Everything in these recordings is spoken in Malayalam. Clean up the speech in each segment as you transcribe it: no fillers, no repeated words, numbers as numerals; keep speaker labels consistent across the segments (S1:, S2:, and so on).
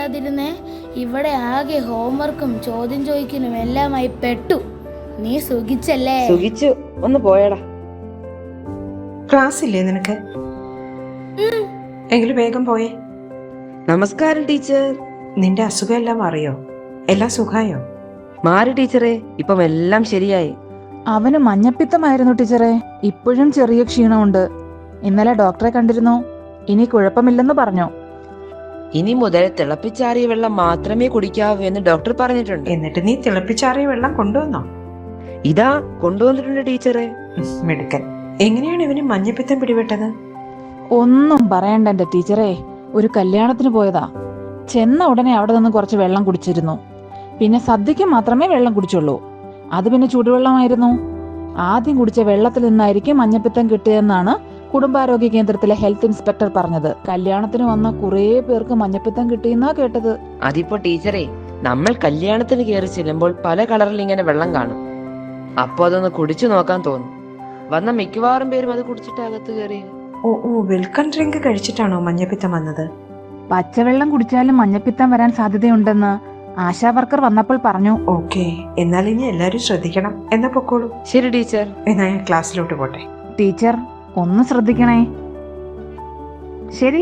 S1: പറയാതിരുന്നേ. ഇവിടെ ആകെ ഹോംവർക്കും ചോദ്യം ചോദിക്കലും എല്ലാമായി പെട്ടു. നീ സുഖിച്ചല്ലേ?
S2: സുഖിച്ചു. ഒന്ന് പോയടാ.
S3: ക്ലാസ് ഇല്ലേ നിനക്ക്? എങ്കിലും വേഗം പോയേ.
S2: നമസ്കാരം ടീച്ചർ.
S3: നിന്റെ അസുഖം എല്ലാം അറിയോ? എല്ലാം സുഖായോ?
S2: മാറി ടീച്ചറെ, ഇപ്പം എല്ലാം ശരിയായി.
S4: അവന് മഞ്ഞപ്പിത്തമായിരുന്നു ടീച്ചറെ. ഇപ്പോഴും ചെറിയ ക്ഷീണമുണ്ട്. ഇന്നലെ ഡോക്ടറെ കണ്ടിരുന്നു. ഇനി കുഴപ്പമില്ലെന്ന് പറഞ്ഞു.
S2: ഇനി മുതൽ തിളപ്പിച്ചാറിയ വെള്ളം മാത്രമേ കുടിക്കാവൂ എന്ന് ഡോക്ടർ പറഞ്ഞിട്ടുണ്ട്.
S3: എന്നിട്ട് നീ തിളപ്പിച്ചാറിയ വെള്ളം കൊണ്ടുവന്നോ?
S2: ഇതാ കൊണ്ടുവന്നിട്ടുണ്ട് ടീച്ചറെ.
S3: മിടുക്കൻ. എങ്ങനെയാണ് ഇവന് മഞ്ഞപ്പിത്തം പിടിപെട്ടത്?
S4: ഒന്നും പറയണ്ട എന്റെ ടീച്ചറെ. ഒരു കല്യാണത്തിന് പോയതാ. ചെന്ന ഉടനെ അവിടെ നിന്ന് കുറച്ച് വെള്ളം കുടിച്ചിരുന്നു. പിന്നെ സദ്യക്ക് മാത്രമേ വെള്ളം കുടിച്ചുള്ളൂ. അത് പിന്നെ ചൂടുവെള്ളമായിരുന്നു. ആദ്യം കുടിച്ച വെള്ളത്തിൽ നിന്നായിരിക്കും മഞ്ഞപ്പിത്തം കിട്ടിയതെന്നാണ് കുടുംബാരോഗ്യ കേന്ദ്രത്തിലെ ഹെൽത്ത് ഇൻസ്പെക്ടർ പറഞ്ഞത്. കല്യാണത്തിന് വന്ന കുറേ പേർക്ക് മഞ്ഞപ്പിത്തം കിട്ടിയെന്നാ കേട്ടത്.
S2: അതിപ്പോ ടീച്ചറെ, നമ്മൾ കല്യാണത്തിന് കയറി ചെല്ലുമ്പോൾ പല കളറിൽ ഇങ്ങനെ വെള്ളം കാണും. അപ്പൊ അതൊന്ന് കുടിച്ചു നോക്കാൻ തോന്നും. വന്ന മിക്കവാറും പേരും അത് കുടിച്ചിട്ട് അകത്ത് കയറി.
S3: ഓ വെൽക്കം ഡ്രിങ്ക് കഴിച്ചിട്ടാണോ മഞ്ഞപ്പിത്തം വന്നത്?
S4: പച്ചവെള്ളം കുടിച്ചാലും മഞ്ഞപ്പിത്തം വരാൻ സാധ്യതയുണ്ടെന്ന് ആശാ വർക്കർ വന്നപ്പോൾ പറഞ്ഞു.
S3: ഓക്കെ, എന്നാൽ ഇനി എല്ലാരും ശ്രദ്ധിക്കണം. എന്നാ പൊക്കോളൂ.
S2: ശരി ടീച്ചർ.
S3: എന്നാ ഞാൻ ക്ലാസ്സിലോട്ട് പോട്ടെ.
S4: ടീച്ചർ ഒന്ന് ശ്രദ്ധിക്കണേ. ശരി.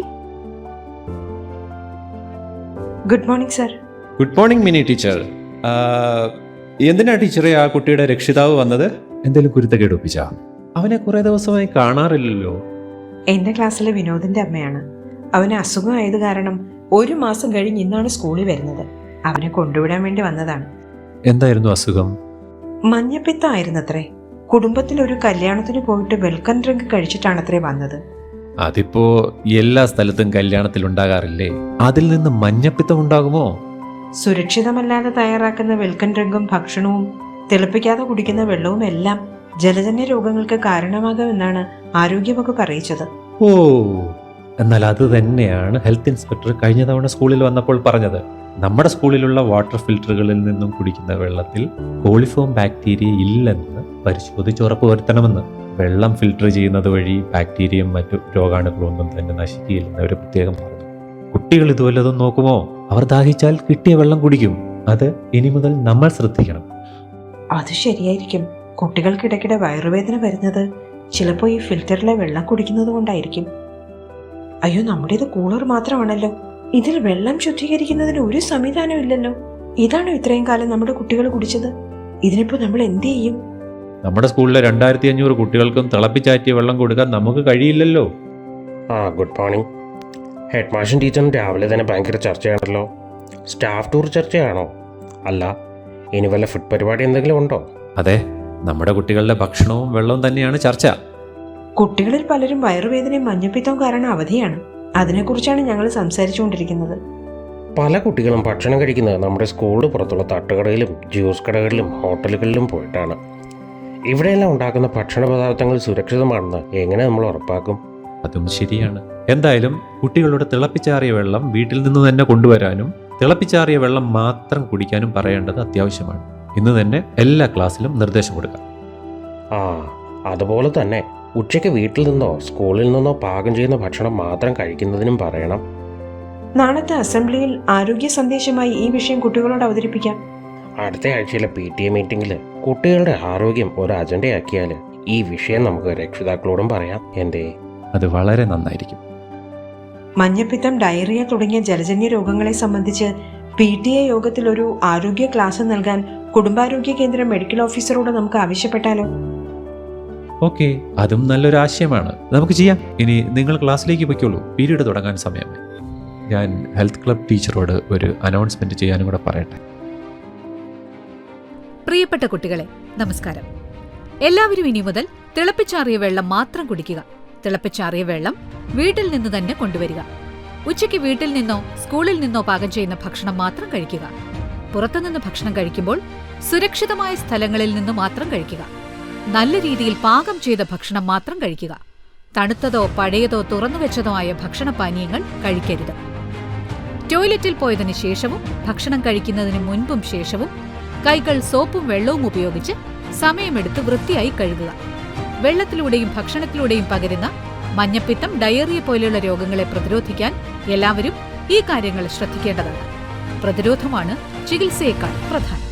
S3: Good morning sir.
S5: Good morning Mini teacher. എന്തിനാ ടീച്ചറെ ആ കുട്ടിയുടെ രക്ഷിതാവ് വന്നത്? എന്തെങ്കിലും കുരുത്തക്കേട് ഒപ്പിച്ചാ? അവനെ കുറെ ദിവസമായി കാണാറില്ലല്ലോ.
S3: എന്റെ ക്ലാസ്സിലെ വിനോദിന്റെ അമ്മയാണ്. അവന് അസുഖമായത് കാരണം 1 മാസം കഴിഞ്ഞ് ഇന്നാണ് സ്കൂളിൽ വരുന്നത്. അവനെ കൊണ്ടുവിടാൻ വേണ്ടി വന്നതാണ്.
S5: എന്തായിരുന്നു അസുഖം?
S3: മഞ്ഞപ്പിത്തമായിരുന്നത്രേ. കുടുംബത്തിൽ ഒരു കല്യാണത്തിന് പോയിട്ട് വെൽക്കം ഡ്രിങ്ക് കഴിച്ചിട്ടാണത്രേ വന്നത്.
S5: അതിപ്പോ എല്ലാ സ്ഥലത്തും കല്യാണത്തിൽ ഉണ്ടാകാറില്ലേ? അതിൽ നിന്ന് മഞ്ഞപ്പിത്തം ഉണ്ടാകുമോ?
S3: സുരക്ഷിതമല്ലാതെ തയ്യാറാക്കുന്ന വെൽക്കം ഡ്രിങ്കും ഭക്ഷണവും തിളപ്പിക്കാതെ കുടിക്കുന്ന വെള്ളവും എല്ലാം ജലജന്യ രോഗങ്ങൾക്ക് കാരണമാകുമെന്നാണ് ആരോഗ്യവകുപ്പ് അറിയിച്ചത്.
S5: ഓ, എന്നാൽ അത് തന്നെയാണ് ഹെൽത്ത് ഇൻസ്പെക്ടർ കഴിഞ്ഞ തവണ സ്കൂളിൽ വന്നപ്പോൾ പറഞ്ഞത്. നമ്മുടെ സ്കൂളിലുള്ള വാട്ടർ ഫിൽറ്ററുകളിൽ നിന്നും കുടിക്കുന്ന വെള്ളത്തിൽ കോളിഫോം ബാക്ടീരിയ ഇല്ലെന്ന് പരിശോധിച്ച് ഉറപ്പുവരുത്തണമെന്ന്. വെള്ളം ഫിൽട്ടർ ചെയ്യുന്നത് വഴി ബാക്ടീരിയയും മറ്റു രോഗാണുക്കളും ഒന്നും തന്നെ നശിക്കുകയില്ലെന്ന് അവർ പ്രത്യേകം പറഞ്ഞു. കുട്ടികൾ ഇതുവല്ലതും നോക്കുമോ? അവർ ദാഹിച്ചാൽ കിട്ടിയ വെള്ളം കുടിക്കും. അത് ഇനി മുതൽ നമ്മൾ ശ്രദ്ധിക്കണം.
S3: അത് ശരിയായിരിക്കും. കുട്ടികൾക്കിടയ്ക്കിടെ വയറുവേദന വരുന്നത് ചിലപ്പോൾ ഈ ഫിൽറ്ററിലെ വെള്ളം കുടിക്കുന്നത് കൊണ്ടായിരിക്കും. അയ്യോ, നമ്മുടേത് കൂളർ മാത്രമാണല്ലോ. ഇതിൽ വെള്ളം ശുദ്ധീകരിക്കുന്നതിന് ഒരു സംവിധാനം ഇല്ലല്ലോ. ഇതാണോ ഇത്രയും കാലം നമ്മുടെ കുട്ടികൾ കുടിച്ചത്? ഇതിനിപ്പോ നമ്മൾ എന്ത് ചെയ്യും?
S5: നമ്മുടെ സ്കൂളിലെ 2500 കുട്ടികൾക്കും തിളപ്പിച്ചാറ്റിയ വെള്ളം കൊടുക്കാൻ നമുക്ക് കഴിയില്ലല്ലോ.
S6: Good morning. ഹെഡ് മാഷൻ ടീച്ചറും രാവിലെ തന്നെ ഭയങ്കര ചർച്ചയാണല്ലോ. Staff tour ചർച്ചയാണോ? അല്ല, ഇനി വല്ല ഫുഡ് പരിപാടി എന്തെങ്കിലും ഉണ്ടോ?
S5: അതെ, നമ്മുടെ കുട്ടികളുടെ ഭക്ഷണവും വെള്ളവും തന്നെയാണ് ചർച്ച.
S3: കുട്ടികളിൽ പലരും വയറുവേദനയും മഞ്ഞപ്പിത്തവും കാരണം അവധിയാണ്. അതിനെക്കുറിച്ചാണ് ഞങ്ങൾ സംസാരിച്ചുകൊണ്ടിരിക്കുന്നത്.
S6: പല കുട്ടികളും ഭക്ഷണം കഴിക്കുന്നത് നമ്മുടെ സ്കൂളിന് പുറത്തുള്ള തട്ടുകടയിലും ജ്യൂസ് കടകളിലും ഹോട്ടലുകളിലും പോയിട്ടാണ്. ഇവിടെയെല്ലാം ഉണ്ടാക്കുന്ന ഭക്ഷണ പദാർത്ഥങ്ങൾ സുരക്ഷിതമാണെന്ന് എങ്ങനെ നമ്മൾ ഉറപ്പാക്കും?
S5: അതും ശരിയാണ്. എന്തായാലും കുട്ടികളുടെ തിളപ്പിച്ചാറിയ വെള്ളം വീട്ടിൽ നിന്ന് തന്നെ കൊണ്ടുവരാനും തിളപ്പിച്ചാറിയ വെള്ളം മാത്രം കുടിക്കാനും പറയേണ്ടത് അത്യാവശ്യമാണ്. ഇന്ന് തന്നെ എല്ലാ ക്ലാസ്സിലും നിർദ്ദേശം കൊടുക്കാം.
S6: അതുപോലെ തന്നെ ഉച്ചയ്ക്ക് വീട്ടിൽ നിന്നോ സ്കൂളിൽ നിന്നോ പാകം ചെയ്യുന്ന ഭക്ഷണം മാത്രം കഴിക്കുന്നതിനും പറയണം.
S3: നാളത്തെ അസംബ്ലിയിൽ ആരോഗ്യ സന്ദേശമായി ഈ വിഷയം കുട്ടികളോട് അവതരിപ്പിക്കാം.
S6: അടുത്ത ആഴ്ചയിലെ PTA മീറ്റിംഗിൽ കുട്ടികളുടെ ആരോഗ്യം ഒരു അജണ്ടയാക്കിയാൽ ഈ വിഷയം നമുക്ക് രക്ഷിതാക്കളോടും പറയാം.
S5: അത് വളരെ നന്നായിരിക്കും.
S3: മഞ്ഞപ്പിത്തം, ഡയറിയ തുടങ്ങിയ ജലജന്യ രോഗങ്ങളെ സംബന്ധിച്ച് PTA യോഗത്തിൽ ഒരു ആരോഗ്യ ക്ലാസ് നൽകാൻ കുടുംബാരോഗ്യ കേന്ദ്ര മെഡിക്കൽ ഓഫീസറോട് നമുക്ക് ആവശ്യപ്പെട്ടാലോ?
S5: ഓക്കെ, അതും നല്ലൊരു ആശയമാണ്. നമുക്ക് ചെയ്യാം. ഇനി നിങ്ങൾ ക്ലാസ്സിലേക്ക് പൊയ്ക്കോളൂ. പീരീഡ് തുടങ്ങാൻ സമയമായി. ഞാൻ ഹെൽത്ത് ക്ലബ് ടീച്ചറോട് ഒരു അനൗൺസ്മെന്റ് ചെയ്യാനും കൂടെ പറയട്ടെ.
S7: പ്രിയപ്പെട്ട കുട്ടികളെ, നമസ്കാരം. എല്ലാവരും ഇനി മുതൽ തിളപ്പിച്ചാറിയ വെള്ളം മാത്രം കുടിക്കുക. തിളപ്പിച്ചാറിയ വെള്ളം വീട്ടിൽ നിന്ന് തന്നെ കൊണ്ടുവരിക. ഉച്ചയ്ക്ക് വീട്ടിൽ നിന്നോ സ്കൂളിൽ നിന്നോ പാകം ചെയ്യുന്ന ഭക്ഷണം മാത്രം കഴിക്കുക. പുറത്തുനിന്ന് ഭക്ഷണം കഴിക്കുമ്പോൾ സുരക്ഷിതമായ സ്ഥലങ്ങളിൽ നിന്ന് മാത്രം കഴിക്കുക. നല്ല രീതിയിൽ പാകം ചെയ്ത ഭക്ഷണം മാത്രം കഴിക്കുക. തണുത്തതോ പഴയതോ തുറന്നുവെച്ചതോ ആയ ഭക്ഷണപാനീയങ്ങൾ കഴിക്കരുത്. ടോയ്ലറ്റിൽ പോയതിനു ശേഷവും ഭക്ഷണം കഴിക്കുന്നതിന് മുൻപും ശേഷവും കൈകൾ സോപ്പും വെള്ളവും ഉപയോഗിച്ച് സമയമെടുത്ത് വൃത്തിയായി കഴുകുക. വെള്ളത്തിലൂടെയും ഭക്ഷണത്തിലൂടെയും പകരുന്ന മഞ്ഞപ്പിത്തം, ഡയറിയ പോലെയുള്ള രോഗങ്ങളെ പ്രതിരോധിക്കാൻ എല്ലാവരും ഈ കാര്യങ്ങൾ ശ്രദ്ധിക്കേണ്ടതാണ്. പ്രതിരോധമാണ് ചികിത്സയേക്കാൾ പ്രധാനം.